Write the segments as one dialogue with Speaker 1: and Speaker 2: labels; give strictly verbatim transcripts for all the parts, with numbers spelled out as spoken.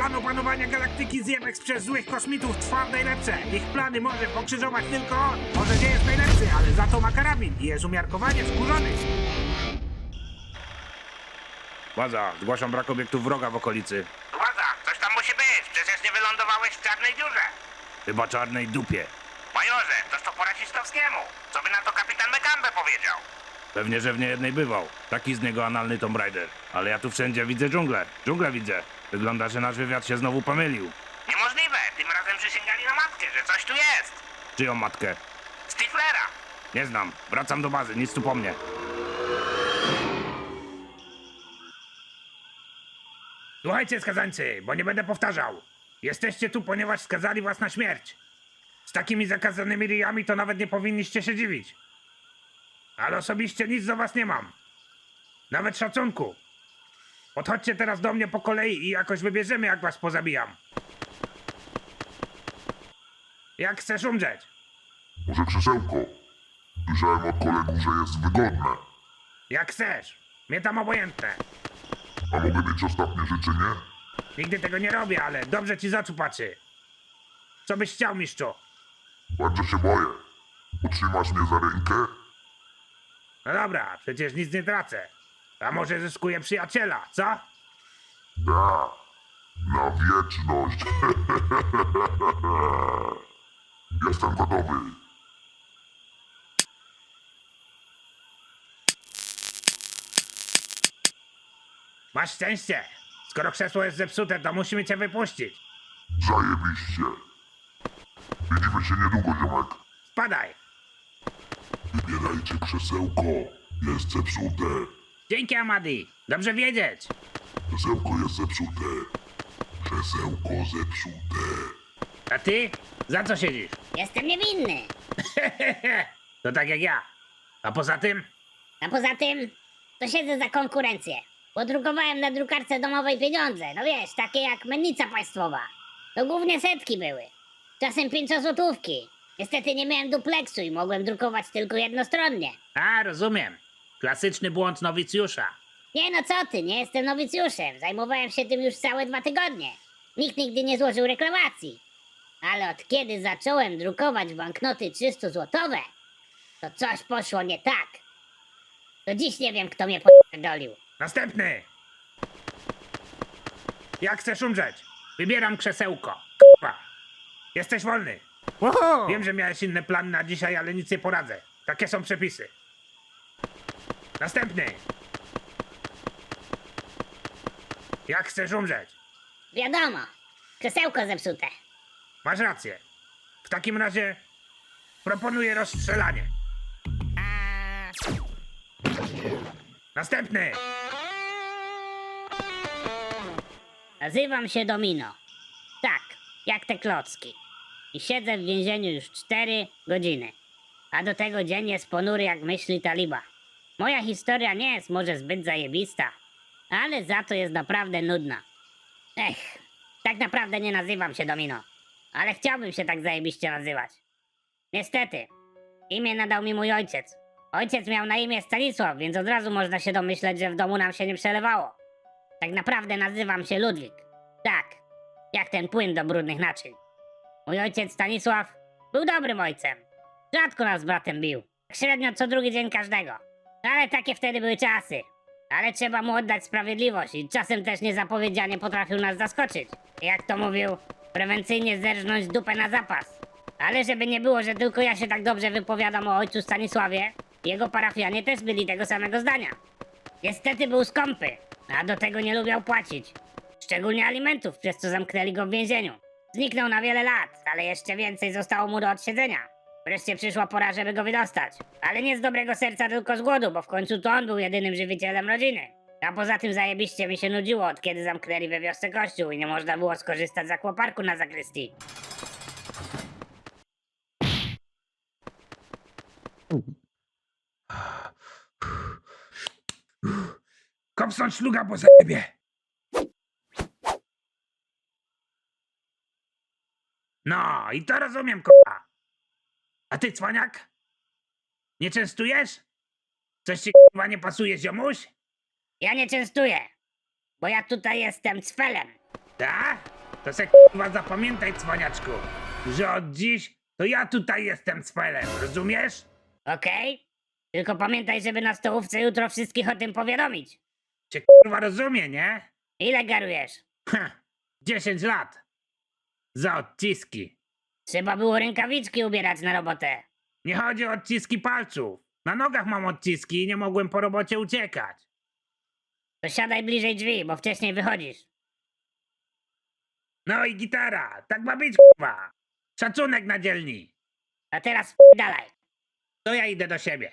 Speaker 1: Plan opanowania galaktyki zjemek przez złych kosmitów trwa w najlepsze. Ich plany może pokrzyżować tylko on. Może nie jest najlepszy, ale za to ma karabin i jest umiarkowanie wkurzony. Władza, zgłaszam brak obiektów wroga w okolicy.
Speaker 2: Władza, coś tam musi być, przecież nie wylądowałeś w czarnej dziurze.
Speaker 1: Chyba czarnej dupie.
Speaker 2: Majorze, toż to po rasistowskiemu. Co by na to kapitan Mekambe powiedział?
Speaker 1: Pewnie, że w niejednej bywał. Taki z niego analny Tomb Raider. Ale ja tu wszędzie widzę dżunglę. Dżunglę widzę. Wygląda, że nasz wywiad się znowu pomylił.
Speaker 2: Niemożliwe, tym razem przysięgali na matkę, że coś tu jest.
Speaker 1: Czyją matkę?
Speaker 2: Stiflera.
Speaker 1: Nie znam. Wracam do bazy, nic tu po mnie. Słuchajcie, skazańcy, bo nie będę powtarzał. Jesteście tu, ponieważ skazali was na śmierć. Z takimi zakazanymi ryjami to nawet nie powinniście się dziwić. Ale osobiście nic do was nie mam. Nawet szacunku. Podchodźcie teraz do mnie po kolei i jakoś wybierzemy, jak was pozabijam. Jak chcesz umrzeć?
Speaker 3: Może krzesełko? Słyszałem od kolegów, że jest wygodne.
Speaker 1: Jak chcesz. Mnie tam obojętne.
Speaker 3: A mogę mieć ostatnie życzenie?
Speaker 1: Nigdy tego nie robię, ale dobrze ci z oczu patrzy. Co byś chciał, mistrzu?
Speaker 3: Bardzo się boję. Utrzymasz mnie za rękę?
Speaker 1: No dobra, przecież nic nie tracę. A może zyskuję przyjaciela, co?
Speaker 3: Da. Na wieczność. Jestem gotowy.
Speaker 1: Masz szczęście. Skoro krzesło jest zepsute, to musimy cię wypuścić.
Speaker 3: Zajebiście. Widzimy się niedługo, ziomek.
Speaker 1: Spadaj.
Speaker 3: Wybierajcie krzesełko. Jest zepsute.
Speaker 1: Dzięki, Amadi. Dobrze wiedzieć.
Speaker 3: Krzesełko jest zepsute. Krzesełko zepsute.
Speaker 1: A ty? Za co siedzisz?
Speaker 4: Jestem niewinny.
Speaker 1: To tak jak ja. A poza tym?
Speaker 4: A poza tym, to siedzę za konkurencję. Podrukowałem na drukarce domowej pieniądze. No wiesz, takie jak mennica państwowa. To głównie setki były. Czasem pięciozłotówki. Niestety nie miałem dupleksu i mogłem drukować tylko jednostronnie.
Speaker 1: A, rozumiem. Klasyczny błąd nowicjusza.
Speaker 4: Nie no co ty, nie jestem nowicjuszem. Zajmowałem się tym już całe dwa tygodnie. Nikt nigdy nie złożył reklamacji. Ale od kiedy zacząłem drukować banknoty trzystu-złotowe, to coś poszło nie tak. Do dziś nie wiem, kto mnie podolił.
Speaker 1: Następny! Jak chcesz umrzeć? Wybieram krzesełko. K***a. Jesteś wolny. Wiem, że miałeś inne plany na dzisiaj, ale nic nie poradzę. Takie są przepisy. Następny! Jak chcesz umrzeć?
Speaker 4: Wiadomo, krzesełko zepsute.
Speaker 1: Masz rację. W takim razie proponuję rozstrzelanie. Następny!
Speaker 4: Nazywam się Domino. Tak, jak te klocki. I siedzę w więzieniu już cztery godziny. A do tego dzień jest ponury jak myśli taliba. Moja historia nie jest może zbyt zajebista, ale za to jest naprawdę nudna. Ech, tak naprawdę nie nazywam się Domino, ale chciałbym się tak zajebiście nazywać. Niestety, imię nadał mi mój ojciec. Ojciec miał na imię Stanisław, więc od razu można się domyśleć, że w domu nam się nie przelewało. Tak naprawdę nazywam się Ludwik. Tak, jak ten płyn do brudnych naczyń. Mój ojciec Stanisław był dobrym ojcem. Rzadko nas z bratem bił. Średnio co drugi dzień każdego. Ale takie wtedy były czasy. Ale trzeba mu oddać sprawiedliwość i czasem też niezapowiedzianie potrafił nas zaskoczyć. Jak to mówił, prewencyjnie zerżnąć dupę na zapas. Ale żeby nie było, że tylko ja się tak dobrze wypowiadam o ojcu Stanisławie, jego parafianie też byli tego samego zdania. Niestety był skąpy, a do tego nie lubiał płacić. Szczególnie alimentów, przez co zamknęli go w więzieniu. Zniknął na wiele lat, ale jeszcze więcej zostało mu do odsiedzenia. Wreszcie przyszła pora, żeby go wydostać. Ale nie z dobrego serca, tylko z głodu, bo w końcu to on był jedynym żywicielem rodziny. A poza tym zajebiście mi się nudziło, od kiedy zamknęli we wiosce kościół i nie można było skorzystać z akwaparku na zakrystii.
Speaker 1: Kopsnąć szluga po zajebie. No, i to rozumiem, k***a. A ty, cwaniak? Nie częstujesz? Coś ci k***a nie pasuje, ziomuś?
Speaker 4: Ja nie częstuję, bo ja tutaj jestem cfelem.
Speaker 1: Tak? To se k***wa zapamiętaj, cwaniaczku, że od dziś to ja tutaj jestem cfelem, rozumiesz?
Speaker 4: Okej? Tylko pamiętaj, żeby na stołówce jutro wszystkich o tym powiadomić.
Speaker 1: Cię k***wa rozumie, nie?
Speaker 4: Ile garujesz?
Speaker 1: Ha, dziesięć lat. Za odciski.
Speaker 4: Trzeba było rękawiczki ubierać na robotę.
Speaker 1: Nie chodzi o odciski palców. Na nogach mam odciski i nie mogłem po robocie uciekać.
Speaker 4: To siadaj bliżej drzwi, bo wcześniej wychodzisz.
Speaker 1: No i gitara, tak ma być, k***wa. Szacunek na dzielni.
Speaker 4: A teraz dalej.
Speaker 1: To ja idę do siebie.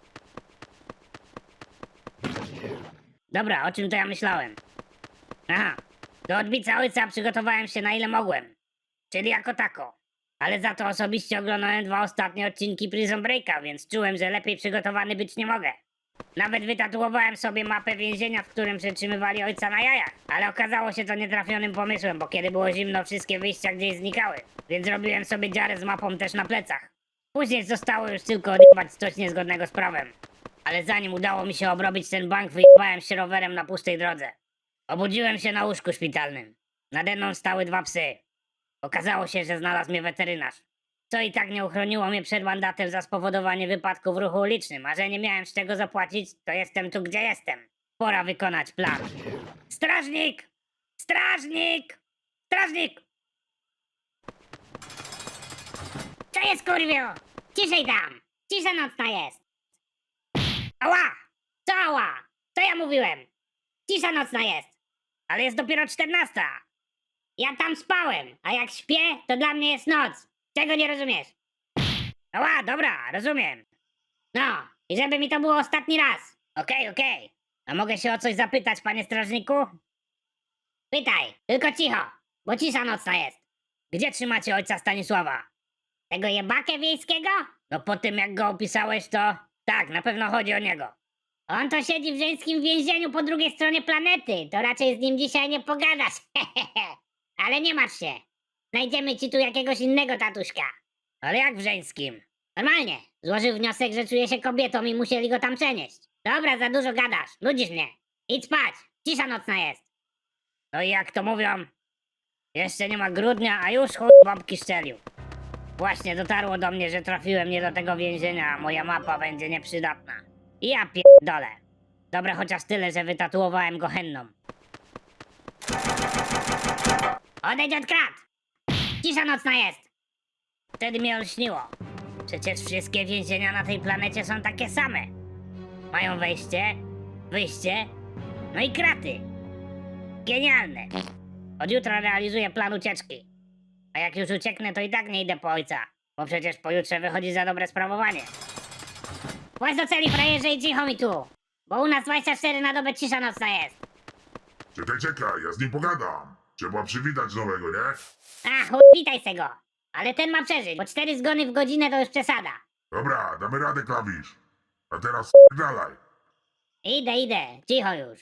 Speaker 4: Dobra, o czym to ja myślałem? Aha, do odbicia ojca przygotowałem się na ile mogłem. Czyli jako tako. Ale za to osobiście oglądałem dwa ostatnie odcinki Prison Breaka, więc czułem, że lepiej przygotowany być nie mogę. Nawet wytatuowałem sobie mapę więzienia, w którym przetrzymywali ojca na jajach. Ale okazało się to nietrafionym pomysłem, bo kiedy było zimno, wszystkie wyjścia gdzieś znikały. Więc zrobiłem sobie dziarę z mapą też na plecach. Później zostało już tylko odjebać coś niezgodnego z prawem. Ale zanim udało mi się obrobić ten bank, wyjebałem się rowerem na pustej drodze. Obudziłem się na łóżku szpitalnym. Nade mną stały dwa psy. Okazało się, że znalazł mnie weterynarz. Co i tak nie uchroniło mnie przed mandatem za spowodowanie wypadku w ruchu ulicznym, a że nie miałem z czego zapłacić, to jestem tu, gdzie jestem. Pora wykonać plan. Strażnik! Strażnik! Strażnik! Co jest, kurwio? Ciszej tam! Cisza nocna jest! Ała! Co ała? Co ja mówiłem? Cisza nocna jest! Ale jest dopiero czternasta! Ja tam spałem, a jak śpię, to dla mnie jest noc. Czego nie rozumiesz? Ała, dobra, rozumiem. No, i żeby mi to było ostatni raz. Okej, okej. A mogę się o coś zapytać, panie strażniku? Pytaj, tylko cicho, bo cisza nocna jest. Gdzie trzymacie ojca Stanisława? Tego jebakę wiejskiego? No po tym jak go opisałeś, to... Tak, na pewno chodzi o niego. On to siedzi w żeńskim więzieniu po drugiej stronie planety. To raczej z nim dzisiaj nie pogadasz. Ale nie martw się. Znajdziemy ci tu jakiegoś innego tatuśka. Ale jak w żeńskim? Normalnie. Złożył wniosek, że czuje się kobietą i musieli go tam przenieść. Dobra, za dużo gadasz. Nudzisz mnie. Idź spać. Cisza nocna jest. No i jak to mówią? Jeszcze nie ma grudnia, a już chuj bombki szczelił. Właśnie dotarło do mnie, że trafiłem nie do tego więzienia, a moja mapa będzie nieprzydatna. I ja pierdolę. Dobra, chociaż tyle, że wytatuowałem go henną. Odejdź od krat! Cisza nocna jest! Wtedy mnie olśniło. Przecież wszystkie więzienia na tej planecie są takie same. Mają wejście, wyjście, no i kraty. Genialne. Od jutra realizuję plan ucieczki. A jak już ucieknę, to i tak nie idę po ojca, bo przecież pojutrze wychodzi za dobre sprawowanie. Właź do celi, frajerze, i cicho mi tu, bo u nas dwadzieścia cztery na dobę cisza nocna jest.
Speaker 3: Czekaj, czekaj, ja z nim pogadam. Trzeba przywitać nowego, nie?
Speaker 4: A, chuj, witaj se go. Ale ten ma przeżyć, bo cztery zgony w godzinę to już przesada.
Speaker 3: Dobra, damy radę, klawisz. A teraz dalej.
Speaker 4: Idę, idę, cicho już.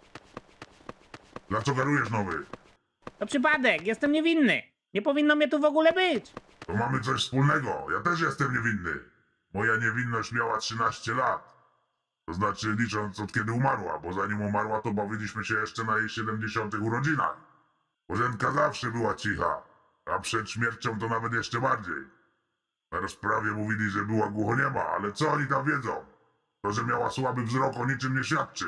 Speaker 3: Dla co garujesz, nowy?
Speaker 1: To przypadek, jestem niewinny. Nie powinno mnie tu w ogóle być.
Speaker 3: To mamy coś wspólnego. Ja też jestem niewinny. Moja niewinność miała trzynaście lat. To znaczy licząc od kiedy umarła, bo zanim umarła, to bawiliśmy się jeszcze na jej siedemdziesiątych urodzinach. Bożenka zawsze była cicha, a przed śmiercią to nawet jeszcze bardziej. Na rozprawie mówili, że była głuchoniema, ale co oni tam wiedzą? To, że miała słaby wzrok, o niczym nie świadczy.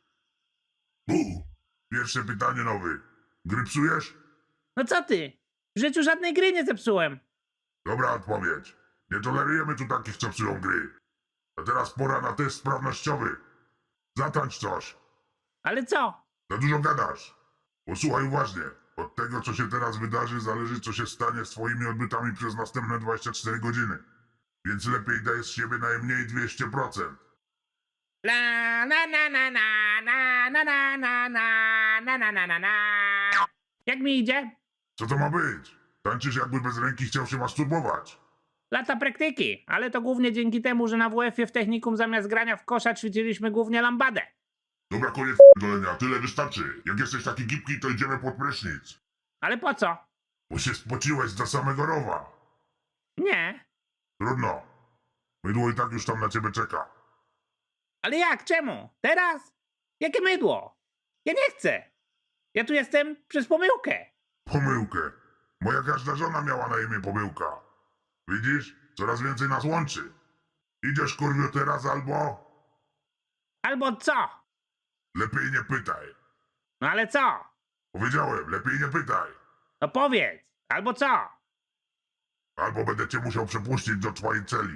Speaker 3: Bu! Pierwsze pytanie, nowy. Gry psujesz?
Speaker 1: No co ty? W życiu żadnej gry nie zepsułem.
Speaker 3: Dobra odpowiedź. Nie tolerujemy tu takich, co psują gry. A teraz pora na test sprawnościowy. Zatańcz coś.
Speaker 1: Ale co?
Speaker 3: Za dużo gadasz. Posłuchaj uważnie. Od tego, co się teraz wydarzy, zależy, co się stanie z twoimi odbytami przez następne dwadzieścia cztery godziny. Więc lepiej daj z siebie najmniej dwieście procent.
Speaker 1: La na na na na na na na na na na na na na na. Jak mi idzie?
Speaker 3: Co to ma być? Tańczysz, jakby bez ręki chciał się masturbować.
Speaker 1: Lata praktyki, ale to głównie dzięki temu, że na W F-ie w technikum zamiast grania w kosza ćwiczyliśmy głównie lambadę.
Speaker 3: Dobra, koniec dolenia. Tyle wystarczy. Jak jesteś taki gipki, to idziemy pod prysznic.
Speaker 1: Ale po co?
Speaker 3: Bo się spociłeś do samego rowa.
Speaker 1: Nie.
Speaker 3: Trudno. Mydło i tak już tam na ciebie czeka.
Speaker 1: Ale jak? Czemu? Teraz? Jakie mydło? Ja nie chcę. Ja tu jestem przez pomyłkę.
Speaker 3: Pomyłkę. Moja każda żona miała na imię Pomyłka. Widzisz? Coraz więcej nas łączy. Idziesz, kurwiu, teraz albo...
Speaker 1: Albo co?
Speaker 3: Lepiej nie pytaj.
Speaker 1: No ale co?
Speaker 3: Powiedziałem, lepiej nie pytaj.
Speaker 1: No powiedz, albo co?
Speaker 3: Albo będę cię musiał przepuścić do twojej celi.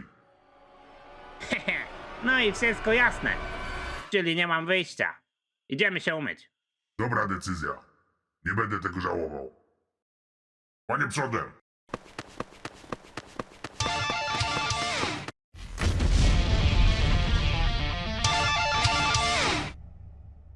Speaker 1: No i wszystko jasne. Czyli nie mam wyjścia. Idziemy się umyć.
Speaker 3: Dobra decyzja. Nie będę tego żałował. Panie przodem,